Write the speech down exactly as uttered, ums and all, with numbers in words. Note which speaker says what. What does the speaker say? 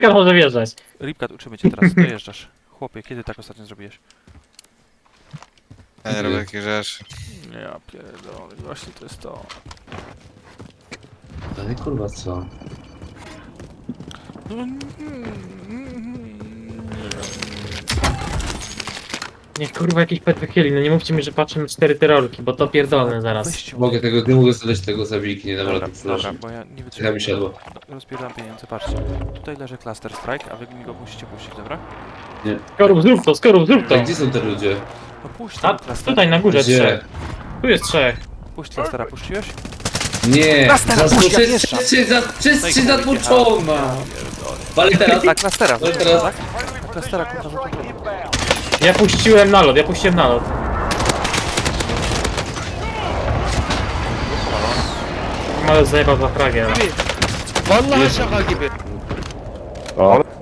Speaker 1: Ripka może wjeżdżać.
Speaker 2: Ripkat, uczymy cię teraz, dojeżdżasz. Chłopie, kiedy tak ostatnio zrobiłeś?
Speaker 3: Ja nie robię takich rzeczy.
Speaker 2: Ja pierdolę, właśnie to jest to.
Speaker 4: Ale kurwa co?
Speaker 1: Niech kurwa jakiś pet wychyli, no nie mówcie mi, że patrzę na cztery terrorki, bo to pierdolę zaraz.
Speaker 2: Weźcie
Speaker 4: Mogę tego, nie mogę zadać tego zabiki, nie dam
Speaker 2: Dobra,
Speaker 4: rady
Speaker 2: dobra,
Speaker 4: flashem.
Speaker 2: bo ja nie
Speaker 4: Ja mi
Speaker 2: wytrzymam.
Speaker 4: siadło.
Speaker 2: Rozpierdzam pieniądze, patrzcie. Tutaj leży Cluster Strike, a wy mi go musicie puścić, dobra?
Speaker 1: Skorup, zrób to, skorup, zrób to.
Speaker 4: A gdzie są te ludzie?
Speaker 2: No puść
Speaker 1: A,
Speaker 2: tego Clustera.
Speaker 1: tutaj na górze
Speaker 4: Gdzie?
Speaker 1: trzech. Tu jest trzech.
Speaker 2: Puść Clustera, puściłeś?
Speaker 4: Nie!
Speaker 5: Clustera,
Speaker 4: Za-
Speaker 5: puść, ja
Speaker 4: przez-
Speaker 5: wjeżdżam.
Speaker 4: przez- za- Przez
Speaker 2: No i
Speaker 4: trzy
Speaker 2: kurwa,
Speaker 4: zatłuczona!
Speaker 2: ja pierdolę.
Speaker 4: Ale teraz...
Speaker 2: Tak, Clustera,
Speaker 4: No i
Speaker 2: kurwa,
Speaker 4: teraz-
Speaker 2: tak? Clustera, kurwa, zatłuczony.
Speaker 1: Ja puściłem nalot, ja puściłem nalot. Nalot zajebał za fragę.
Speaker 5: Vallahi şaka gibi.